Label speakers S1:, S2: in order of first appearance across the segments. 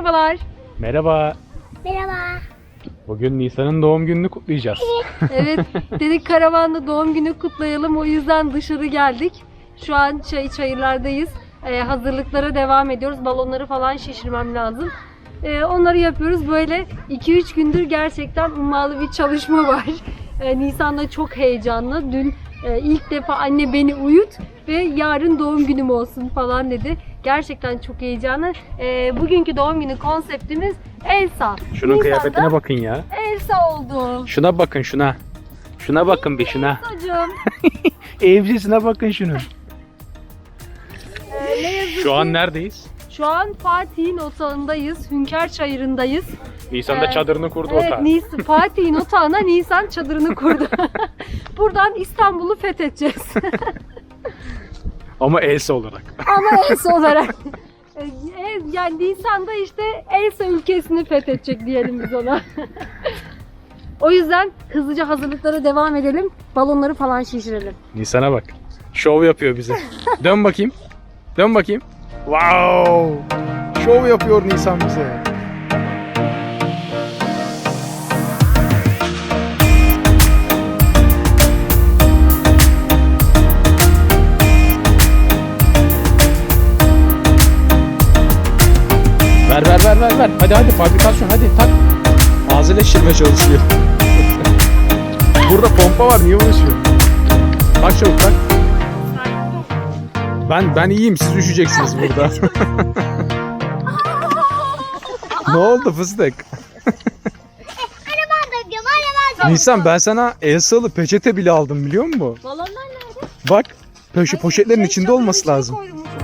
S1: Merhabalar.
S2: Merhaba.
S3: Merhaba.
S2: Bugün Nisan'ın doğum gününü kutlayacağız.
S1: Evet, dedik karavanda doğum günü kutlayalım. O yüzden dışarı geldik. Şu an çayırlardayız. Hazırlıklara devam ediyoruz. Balonları falan şişirmem lazım. Onları yapıyoruz. Böyle 2-3 gündür gerçekten ummalı bir çalışma var. Nisan da çok heyecanlı. Dün ilk defa anne beni uyut ve yarın doğum günüm olsun falan dedi. Gerçekten çok heyecanlı. Bugünkü doğum günü konseptimiz Elsa.
S2: Şunun
S1: Nisan'da
S2: kıyafetine bakın ya.
S1: Elsa oldu.
S2: Şuna bakın şuna. Şuna bakın bir şuna.
S1: Elsa'cığım.
S2: Evcisine bakın şunun.
S1: Ne yazık
S2: Şu an
S1: ki
S2: neredeyiz?
S1: şu an Fatih'in otağındayız. Hünkar Çayırı'ndayız.
S2: Nisan da çadırını kurdu
S1: Evet,
S2: otağa.
S1: Fatih'in otağına Nisan çadırını kurdu. Buradan İstanbul'u fethedeceğiz.
S2: Ama Elsa olarak.
S1: Ama Elsa olarak. Yani Nisan'da işte Elsa ülkesini fethedecek diyelim biz ona. O yüzden hızlıca hazırlıklara devam edelim. Balonları falan şişirelim.
S2: Nisan'a bak. Şov yapıyor bize. Dön bakayım. Dön bakayım. Wow! Şov yapıyor Nisan bize. Ver. Hadi fabrikasyon hadi tak. Ağzıyla şişirmeye çalışıyor. Burada pompa var niye uğraşıyor? Tak çabuk tak. Ben iyiyim siz üşüyeceksiniz burada. Ne oldu fıstık? Nisan ben sana Elsa'lı peçete bile aldım biliyor musun?
S1: Balonlar nerede?
S2: Bak poşetlerin içinde olması lazım.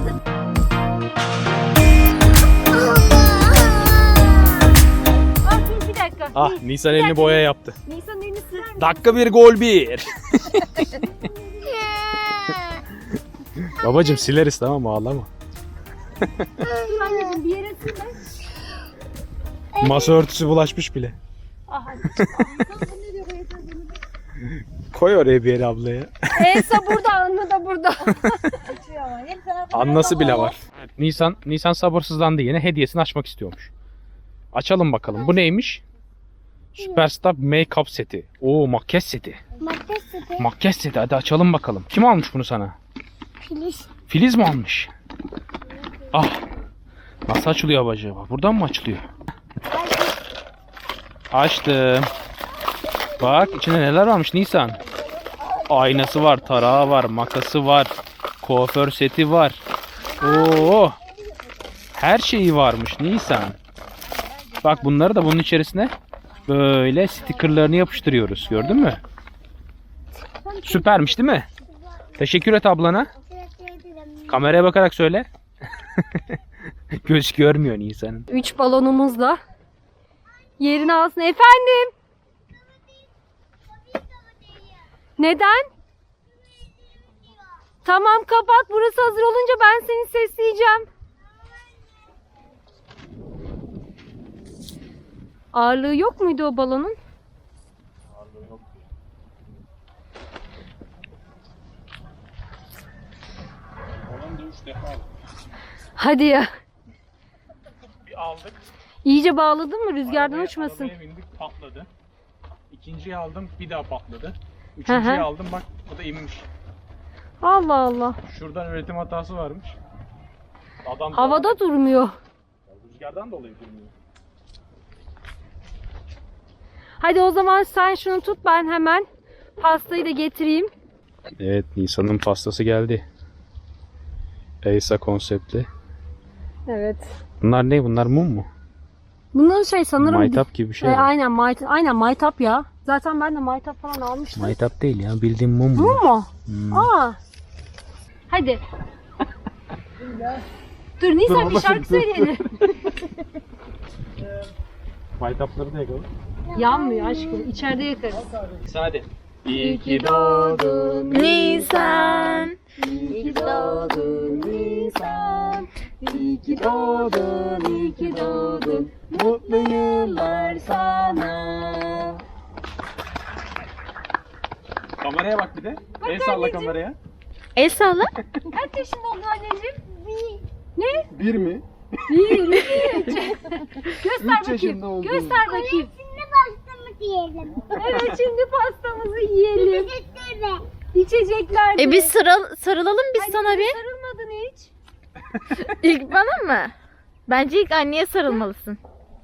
S1: Dur bir dakika.
S2: Ah Nisan elini boya yaptı.
S1: Nisan elini siler misin?
S2: Dakika 1 gol 1. Babacım sileriz tamam mı ağlama.
S1: Dur anneciğim bir yere silme.
S2: Masa örtüsü bulaşmış bile.
S1: Aha.
S2: Koy oraya bir yere ablaya.
S1: Elsa burada, Anna da burada.
S2: Annası bile var. Nisan sabırsızlandı yine hediyesini açmak istiyormuş. Açalım bakalım. Bu neymiş? Superstar Make-up seti. Oo makyaj seti. Makyaj seti. Hadi açalım bakalım. Kim almış bunu sana?
S3: Filiz.
S2: Filiz mi almış? Ah. Nasıl açılıyor acaba? Buradan mı açılıyor? Açtım. Bak içinde neler varmış Nisan. Aynası var, tarağı var, makası var, kuaför seti var. Oo. Her şeyi varmış Nisan. Bak bunları da bunun içerisine böyle stickerlarını yapıştırıyoruz. Gördün mü? Süpermiş değil mi? Teşekkür et ablana. Kameraya bakarak söyle. Göz görmüyor Nisan'ın.
S1: 3 balonumuzla yerini alsın. Efendim? Neden? Tamam kapat. Burası hazır olunca ben seni sesleyeceğim. Ağırlığı yok muydu o balonun?
S2: Ağırlığı yok. Balon da 3 defa aldık.
S1: Hadi ya.
S2: Bir aldık.
S1: İyice bağladın mı? Rüzgardan uçmasın.
S2: Arabaya bindik patladı. İkinciyi aldım bir daha patladı.
S1: Hı
S2: Üçüncüyü
S1: hı.
S2: aldım bak o da inmiş.
S1: Allah Allah.
S2: Şuradan üretim hatası varmış. Adam
S1: Havada durmuyor.
S2: rüzgardan dolayı durmuyor.
S1: Hadi o zaman sen şunu tut, ben hemen pastayı da getireyim.
S2: Evet Nisan'ın pastası geldi. Elsa konseptli.
S1: Evet.
S2: Bunlar ne? Bunlar mum mu?
S1: Bunların şey sanırım...
S2: Maytap gibi bir şey. var.
S1: Aynen maytap ya. Zaten ben de maytap falan almıştım.
S2: Maytap değil ya bildiğin mum bu.
S1: Bu mu?
S2: Hmm.
S1: Aa. Hadi. Dur Nisan bir şarkı söyleyelim.
S2: Maytapları da yakalım.
S1: Yanmıyor aşkım. İçeride yakarız.
S2: Hadi.
S1: İyi ki doğdun Nisan. İyi ki doğdun Nisan. İyi ki doğdun, iyi ki doğdun. Mutlu yıllar sana.
S2: Kameraya bak bir de. El salla kameraya.
S1: El salla. Kaç yaşında oldu anneciğim? Ne?
S2: 1 mi?
S1: 1, 2, 3. Göster
S2: Üç yaşında
S1: bakayım.
S2: oldu.
S1: Göster bakayım.
S3: Şimdi pastamı diyelim.
S1: Evet, şimdi pastamızı yiyelim.
S3: Sütleri.
S1: İçecekler de.
S4: Biz sarılalım biz
S1: Hadi,
S4: sana bir.
S1: sarılmadın hiç.
S4: İlk bana mı? Bence ilk anneye sarılmalısın.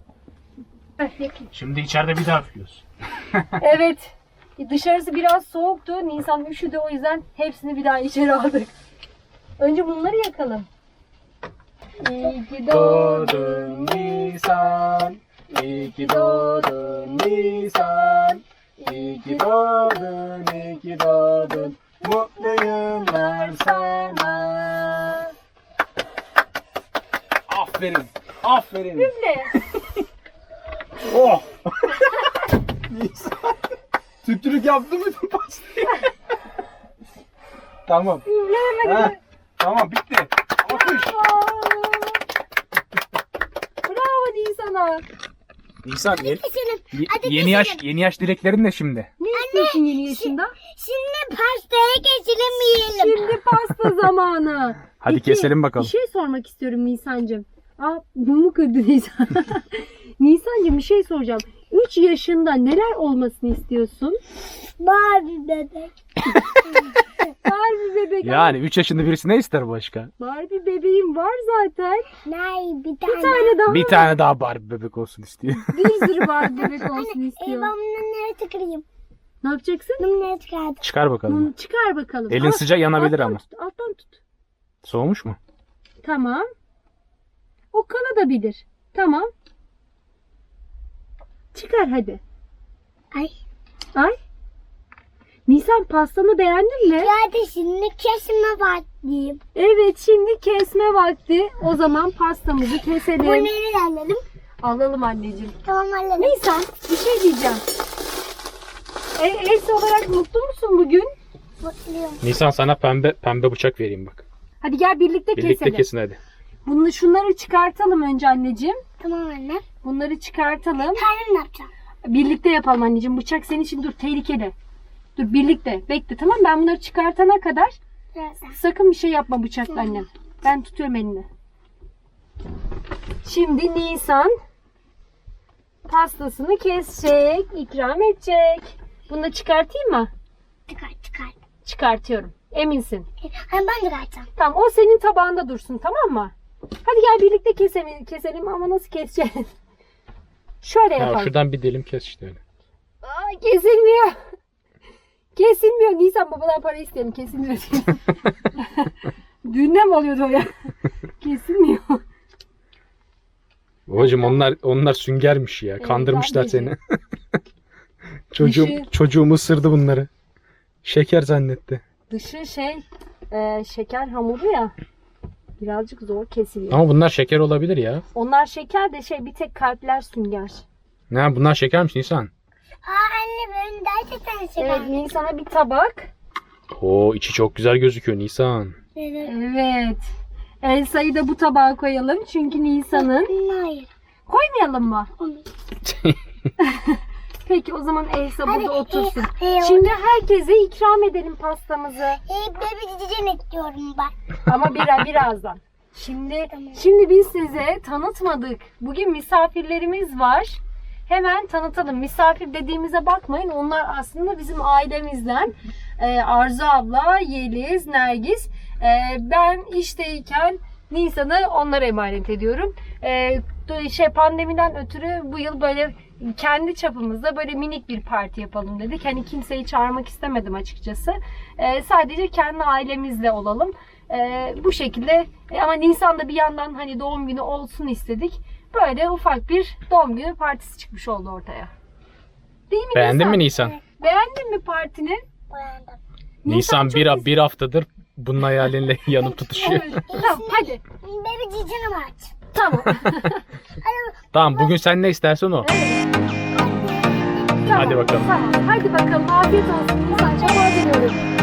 S2: Şimdi içeride bir daha üflüyoruz.
S1: Evet. Dışarısı biraz soğuktu. Nisan üşüdü, o yüzden hepsini bir daha içeri aldık. Önce bunları yakalım. İyi ki doğdun
S2: Nisan. İyi ki doğdun Nisan. İyi ki doğdun, iyi ki doğdun. Mutlu yıllar sana. Aferin. Aferin.
S1: Üfle.
S2: Oh. Nisan. Tüptürük yaptı mı pastayı? Tamam.
S1: Üfleyemedim.
S2: Heh, tamam bitti. Alkış.
S1: Bravo Nisan'a.
S2: Nisan
S3: Hadi
S2: yeni yaş dileklerin ne şimdi?
S1: Ne istiyorsun yeni yaşında?
S3: Şimdi pastaya geçelim yiyelim.
S1: Şimdi pasta zamanı.
S2: Hadi
S1: Peki,
S2: keselim bakalım.
S1: Bir şey sormak istiyorum Nisan'cığım. Aa, mumu kırdı Nisan. Nisan'cığım, bir şey soracağım. 3 yaşında neler olmasını istiyorsun?
S3: Barbie bebek.
S1: Barbie bebek.
S2: Yani 3 yaşında birisi ne ister başka?
S1: Barbie bebeğim var zaten.
S3: Nay bir
S1: Bir
S3: tane.
S1: tane daha.
S2: Bir tane daha Barbie bebek olsun istiyor.
S1: Bir sürü Barbie bebek olsun
S3: Ben
S1: istiyor.
S3: bunu nereye tıkırayım?
S1: Ne yapacaksın?
S3: Bunu nereye tıkardım?
S2: Çıkar bakalım.
S1: Bunu çıkar bakalım.
S2: Elin sıcak yanabilir
S1: alttan
S2: ama.
S1: Tut, alttan tut.
S2: Soğumuş mu?
S1: Tamam. O kanadabilir. Tamam. Çıkar hadi.
S3: Ay.
S1: Ay. Nisan, pastanı beğendin mi?
S3: Ya da şimdi kesme başlayayım.
S1: Evet, şimdi kesme vakti. O zaman pastamızı
S3: Bu
S1: keselim.
S3: nereye alalım?
S1: Alalım anneciğim.
S3: Tamam alalım.
S1: Nisan, bir şey diyeceğim. Elsa olarak mutlu musun bugün?
S3: Mutluyum.
S2: Nisan sana pembe bıçak vereyim bak.
S1: Hadi gel birlikte keselim.
S2: kesin hadi.
S1: Şunları çıkartalım önce anneciğim.
S3: Tamam anne.
S1: Bunları çıkartalım.
S3: Kendim ne yapacağım?
S1: Birlikte yapalım anneciğim. Bıçak senin için, dur, tehlikeli. Dur, birlikte. Bekle, tamam, ben bunları çıkartana kadar
S3: Birazdan.
S1: sakın bir şey yapma bıçakla annem. Ben tutuyorum elini. Şimdi Nisan pastasını kesecek, ikram edecek. Bunu da çıkartayım mı?
S3: Çıkar.
S1: Çıkartıyorum. Eminsin.
S3: Hani ben çıkartacağım.
S1: Tamam, o senin tabağında dursun, tamam mı? Hadi gel birlikte keselim ama nasıl keseceğiz? Şöyle yapalım.
S2: şuradan bir dilim kes işte öyle.
S1: Aa, kesilmiyor. Kesilmiyor. Nisan, babadan para isteyelim. Kesilmiyor. Düğünden mi oluyordu o ya? Kesilmiyor.
S2: Babacım onlar süngermiş ya. Kandırmışlar seni.
S1: Dışı-
S2: Çocuğum ısırdı bunları. Şeker zannetti.
S1: Dışı şeker hamuru ya. Birazcık zor kesiliyor.
S2: Ama bunlar şeker olabilir ya.
S1: Onlar şeker de bir tek kalpler sünger.
S2: Ne bunlar şekermiş Nisan.
S3: Anne ben gerçekten seviyorum.
S1: Evet, Nisan'a bir tabak.
S2: Oo içi çok güzel gözüküyor Nisan.
S3: Evet.
S1: Evet. Elsa'yı da bu tabağa koyalım. Çünkü Nisan'ın.
S3: Hayır.
S1: Koymayalım mı?
S3: Onu.
S1: Peki, o zaman Elsa burada otursun.
S3: Şimdi
S1: Şimdi herkese ikram edelim pastamızı.
S3: bebi cicim istiyorum ben.
S1: Ama birazdan. Şimdi biz size tanıtmadık. Bugün misafirlerimiz var. Hemen tanıtalım. Misafir dediğimize bakmayın. Onlar aslında bizim ailemizden. Arzu abla, Yeliz, Nergis. Ben işteyken Nisan'ı onlara emanet ediyorum. Pandemiden ötürü bu yıl böyle kendi çapımızda böyle minik bir parti yapalım dedik. Hani kimseyi çağırmak istemedim açıkçası. Sadece kendi ailemizle olalım. Bu şekilde ama Nisan'da bir yandan hani doğum günü olsun istedik. Böyle ufak bir doğum günü partisi çıkmış oldu ortaya. Değil mi
S2: Beğendin mi Nisan?
S1: Beğendin mi partini?
S3: Beğendim.
S2: Nisan
S1: çok
S2: bir haftadır bunun hayalinle yanıp tutuşuyor.
S1: Evet. Tamam, hadi.
S3: Bebi cicim aç.
S1: Tamam.
S2: Tamam bugün sen ne istersen o.
S1: Tamam.
S2: Hadi bakalım.
S1: Tamam. Hadi bakalım. Afiyet olsun Nisan'cığım. Hadi diyorum.